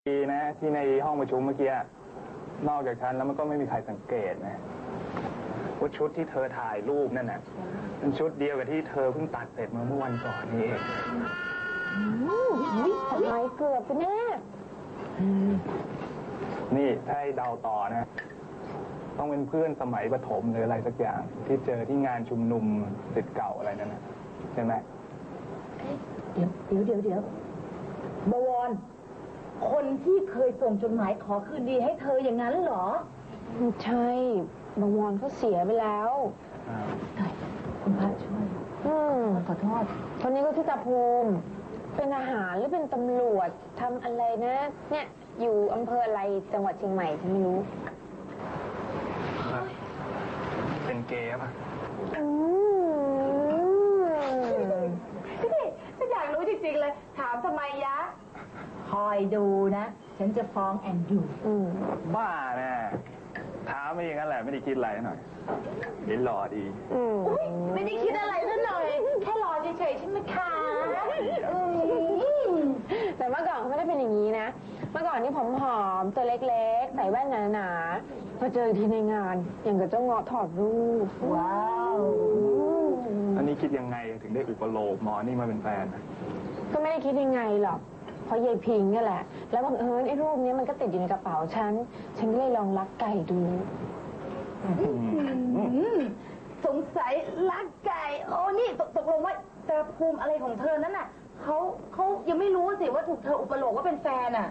ดีนะที่ในห้องประชุมเมื่อกี้นอกจากฉันแล้วมันก็ไม่มีใครสังเกตนะว่าชุดที่เธอถ่ายรูปนั่นน่ะเป็นชุดเดียวกับที่เธอเพิ่งตัดเสร็จเมื่อวันก่อนนี่เองทำไมเกือบไปแน่นี่ถ้าให้เดาต่อนะต้องเป็นเพื่อนสมัยประถมหรืออะไรสักอย่างที่เจอที่งานชุมนุมศิษย์เก่าอะไรนั่นนะใช่ไหมเดี๋ยวบวรคนที่เคยส่งจดหมายขอคืนดีให้เธออย่างนั้นเหรอใช่บวรเขาเสียไปแล้วคุณพระช่วยขอโทษคนนี้ก็ที่ตาภูมิเป็นทหารหรือเป็นตำรวจทำอะไรนะเนี่ยอยู่อำเภออะไรจังหวัดเชียงใหม่ฉันไม่รู้เป็นเกย์ป่ะนี่ฉันอยากรู้จริงๆเลยถามทำไมยะคอยดูนะฉันจะฟ้องแอนดูบ้าแน่ถามไม่อย่างนั้นแหละไม่ได้คิดอะไรหน่อยเห็นหล่อดีไม่ได้คิดอะไรซะหน่อยแค่หล่อเฉยๆใช่ไหมคะแต่เมื่อก่อนเขาไม่ได้เป็นอย่างนี้นะเมื่อก่อนนี่ผอมๆตัวเล็กๆใส่แว่นหนาๆพอเจอทีในงานอย่างกับเจ้าเงาะถอดรูปว้าวอันนี้คิดยังไงถึงได้อุปโลกหมอนี่มาเป็นแฟนก็ไม่ได้คิดยังไงหรอกเพราะยายพิงนี่แหละแล้วบังเอิญไอ้รูปนี้มันก็ติดอยู่ในกระเป๋าฉันก็เลยลองลักไก่ดูสงสัยลักไก่โอ้นี่ตกลงว่าตาภูมิอะไรของเธอนั้นน่ะเขายังไม่รู้สิว่าถูกเธออุปโลกว่าเป็นแฟนอ่ะ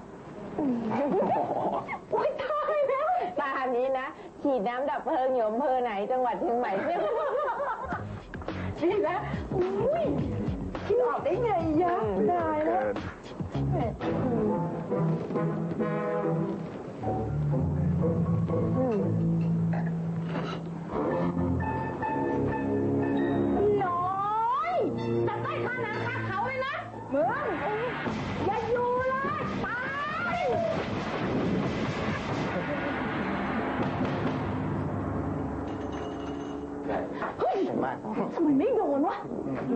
โอ้ยตายแล้วตานี้นะฉีดน้ำดับเพลิงอยู่อำเภอไหนจังหวัดเชียงใหม่เนี่ยฉีดนะอุ้ยคิดออกได้ไงยะได้แล้วน้อยจะใต้ข้าน้ำข้าเขาเลยนะเมืองอย่าอยู่เลยตายเฮ้ยทำไมไม่โดนวะ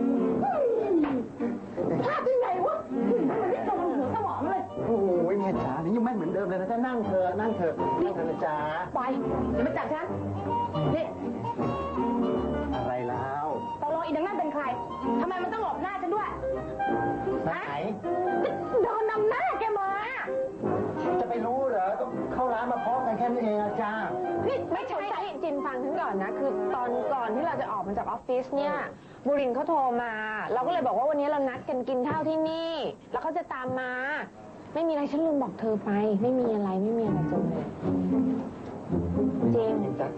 พลาดได้ไงวะทำไมไม่โดนหัวสมองเลยโอ้ยแม่จ๋านี่ยังแม่นเหมือนเดิมเลยนะจ๊ะนั่งเถอะนะจ๊ะไปเดี๋ยวมาจับฉันนี่อะไรแล้วตกลงอีนังนั่นเป็นใครทำไมมันต้องหลบหน้าฉันด้วยไหนโดนนำหน้าแกมาจะไปรู้เหรอก็เข้าร้านมาพร้อมกันแค่นี้เองจ้านี่ไม่ใช่จินฟังฉันก่อนนะคือตอนก่อนที่เราจะออกมาจากออฟฟิศเนี่ยบุรินทร์เขาโทรมาเราก็เลยบอกว่าวันนี้เรานัดกันกินข้าวที่นี่แล้วเขาจะตามมาไม่มีอะไรฉันลืมบอกเธอไปไม่มีอะไรจงเลยเจมส์จ้ะ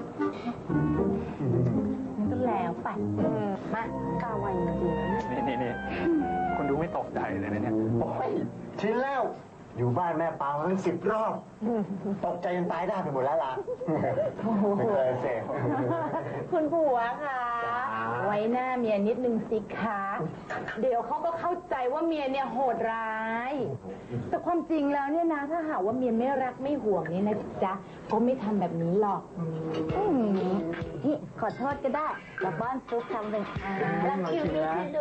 มันก็แล้วไปมากล้าไวจริงๆนี่คนดูไม่ตกใจเลยนะเนี่ยโอ้ยชินแล้วอยู่บ้านแม่ปามาตั้ง10 รอบตกใจจนตายได้ไปหมดแล้วล่ะไม่เคยเสพคุณผัวค่ะไว้หน้าเมียนิดนึงสิคะเดี๋ยวเขาก็เข้าใจว่าเมียเนี่ยโหดร้ายแต่ความจริงแล้วเนี่ยนะถ้าหากว่าเมียไม่รักไม่ห่วงนี่นะจ๊ะก็ไม่ทำแบบนี้หรอกนี่ขอโทษก็ได้แล้วบ้านซุปทำเป็นแล้วคิวนี่ดู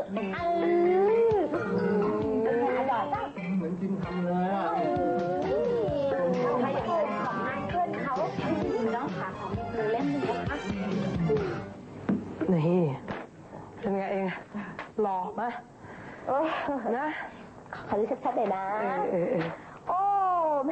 อร่อยจังเหมือนกินทำเลยอ่ะใครอย่างนั้นของนายเพื่อนเขาน้องขาของมือเล่นนะคะนี่เป็นไงเองหล่อไหมนะขอดูชัดๆเลยนะโอ้แหม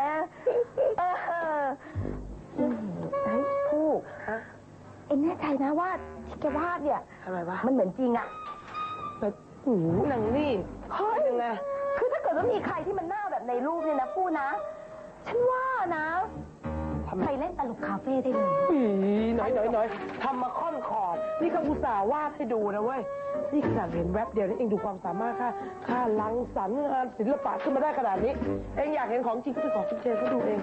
ไอ้ผู้เอ็งแน่ใจนะว่าที่แกวาดเนี่ยอะไรวะมันเหมือนจริงอ่ะแบบหูหนังนี่เฮ้ยยังไงคือถ้าเกิดว่ามีใครที่มันหน้าแบบในรูปเนี่ยนะผู้นะฉันว่านะใครเล่นตลกคาเฟ่ได้เลยน้อยทำมาค่อนขอบนี่ก็อุตส่าห์วาดให้ดูนะเว้ยนี่ขนาดเห็นแวบเดียวนี่เองดูความสามารถค่าลังสรรค์งานศิลปะขึ้นมาได้ขนาดนี้เองอยากเห็นของจริงก็ไปขอคุณเจนเขาดูเอง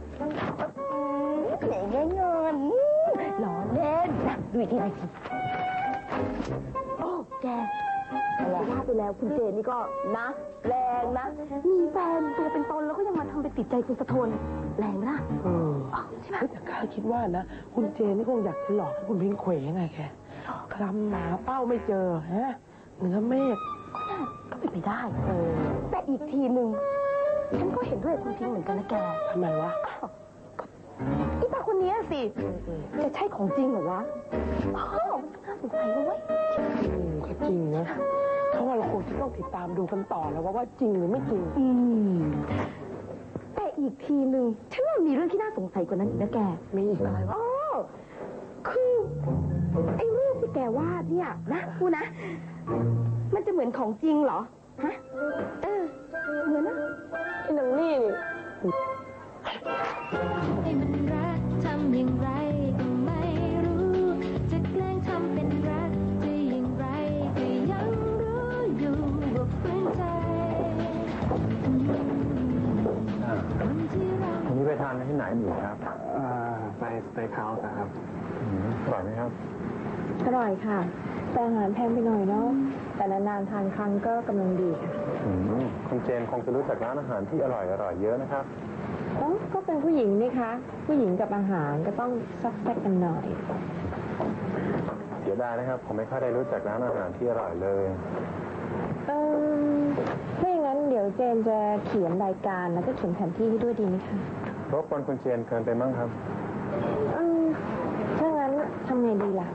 ไหนเงินหล่อเล่นดูอีกทีโอ้แกว่าไปแล้วคุณเจนนี่ก็นะแรงนะมีแฟนตัวเป็นตนแล้วก็ยังมาทำไปติดใจคุณสะทนแรงนะใช่ไหมแต่ข้าคิดว่านะคุณเจนนี่คงอยากจะหลอกให้คุณพิงเขวไงแกคลำหาเป้าไม่เจอเหนือเมฆก็เป็นไปได้แต่อีกทีหนึ่งฉันก็เห็นด้วยกับคุณพิงค์เหมือนกันนะแกทำไมวะไอ้ตาคนนี้สิ จะใช่ของจริงเหรอวะอ้าวน่าสงสัยนะเว้ยก็จริงนะเพราะว่าเราคงจะต้องติดตามดูกันต่อแล้วว่าจริงหรือไม่จริงแต่อีกทีหนึ่งฉันว่ามีเรื่องที่น่าสงสัยกว่านั้นอีกนะแกมีอีกอะไรวะอ๋อคือไอ้รูปที่แกวาดเนี่ยนะพูดนะ มันจะเหมือนของจริงเหรอ ฮะ เหมือนนะไอ้หนังนี่นี่ให้มันรักทำอย่างไรก็ไม่รู้ จะแกล้งทำเป็นรักจะอย่างไรก็ยังรู้อยู่ว่าฝืนใจคนที่เราวันนี้ไปทานที่ไหนอยู่ครับไปสเต็กเฮาส์ครับอร่อยไหมครับอร่อยค่ะ แต่อาหารแพงไปหน่อยเนาะ แต่นานๆทานครั้งก็กำลังดีค่ะคุณเจนคงจะรู้จักร้านอาหารที่อร่อยเยอะนะครับก็เป็นผู้หญิงนี่คะ ผู้หญิงกับอาหารก็ต้องซักแซกกันหน่อยเสียดายนะครับ ผมไม่ค่อยได้รู้จักร้านอาหารที่อร่อยเลยถ้าอย่างนั้นเดี๋ยวเจนจะเขียนรายการแล้วก็เขียนแผนที่ให้ด้วยดีไหมคะรบกวนคุณเจนเกินไปมั้งครับถ้างั้นทำไงดีล่ะ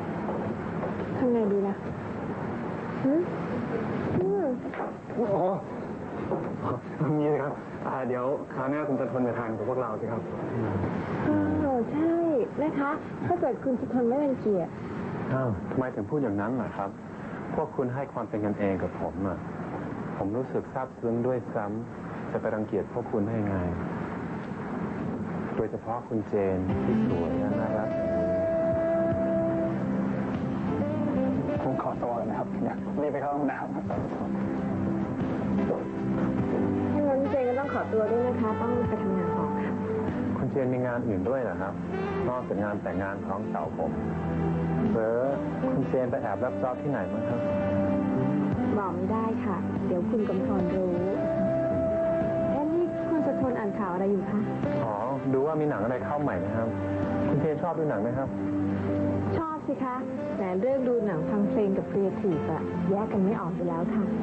โอ้โหนี่เลยครับเดี๋ยวคราวหน้าคุณจะทนไปทานกับพวกเราสิครับใช่นะคะถ้าเกิดคุณจะทนไม่เป็นเกียรติอ้าวทำไมถึงพูดอย่างนั้นล่ะครับ พวกคุณให้ความเป็นกันเองกับผมอ่ะ ผมรู้สึกซาบซึ้งด้วยซ้ำจะไปรังเกียจพวกคุณได้ไง โดยเฉพาะคุณเจนที่สวยและน่ารักผมขอตัวก่อนนะครับอยากรีบไปเข้าห้องน้ำถ้างั้นเจนก็ต้องขอตัวด้วยนะคะ ต้องไปทำงานต่อค่ะคุณเจนมีงานอื่นด้วยเหรอครับ นอกจากงานแต่งงานของสาวผมเบอร์คุณเจนไปแอบรับจ็อบที่ไหนมั้งครับบอกไม่ได้ค่ะ เดี๋ยวคุณกำธรรู้นี่คุณจะทนอ่านข่าวอะไรอยู่คะอ๋อ ดูว่ามีหนังอะไรเข้าใหม่ไหมครับ คุณเจนชอบดูหนังไหมครับชอบสิคะ แต่เรื่องดูหนังฟังเพลงกับครีเอทีฟอะแยกกันไม่ออกอยู่แล้วค่ะ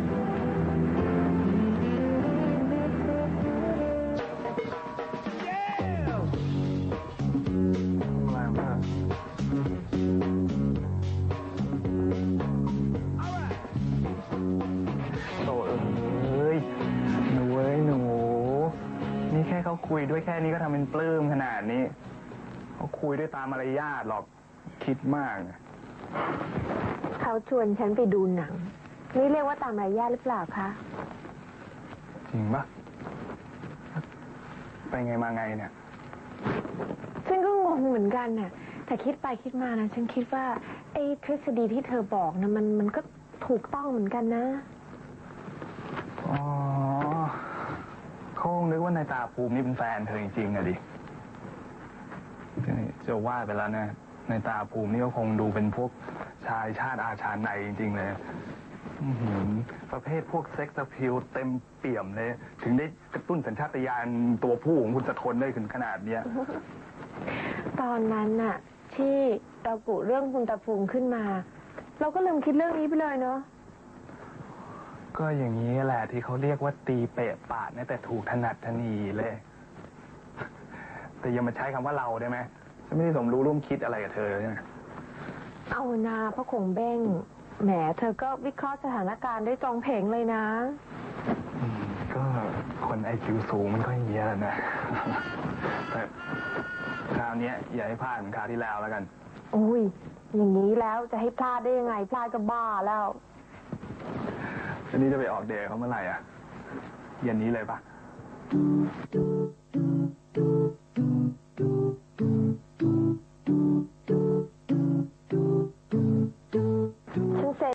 โถ่เอ้ยหนูนี่แค่เขาคุยด้วยแค่นี้ก็ทำเป็นปลื้มขนาดนี้เขาคุยด้วยตามมารยาทหรอกคิดมากนะเขาชวนฉันไปดูหนัง นี่เรียกว่าตามมารยาทหรือเปล่าคะจริงปะไปไงมาไงเนี่ยฉันก็งงเหมือนกันน่ะ แต่คิดไปคิดมานะ ฉันคิดว่าไอ้ทฤษฎีที่เธอบอกนะมันก็ถูกต้องเหมือนกันนะอ๋อเขาคงนึกว่านายตาภูมินี่เป็นแฟนเธอจริงๆอะดิจะว่าไปแล้วนะนายตาภูมินี่ก็คงดูเป็นพวกชายชาติอาชาในจริงๆเลยอื้อหือประเภทพวกเซ็กซ์อะพิลเต็มเปี่ยมเลย ถึงได้กระตุ้นสัญชาตญาณตัวผู้ของคุณสะทนได้ถึงขนาดเนี้ยตอนนั้นน่ะ ที่เรากุเรื่องคุณตาภูมิขึ้นมา เราก็ลืมคิดเรื่องนี้ไปเลยเนาะก็อย่างนี้แหละที่เขาเรียกว่าตีเปะปาดนะแต่ถูกถนัดถนีเลย แต่อย่ามาใช้คำว่าเราได้ไหมฉันไม่ได้สมรู้ร่วมคิดอะไรกับเธอเลยนะเอานาพระคงเบ้ง แหมเธอก็วิเคราะห์สถานการณ์ได้ตรงเพงเลยนะก็คนไอคิวสูงมันก็อย่างเงี้ยแหละนะ แต่คราวเนี้ยอย่าให้พลาดเหมือนคราวที่แล้วแล้วกันอุ้ย อย่างนี้แล้วจะให้พลาดได้ยังไง พลาดก็บ้าแล้วอันนี้จะไปออกเดทเขาเมื่อไหร่อ่ะ เย็นนี้เลยปะ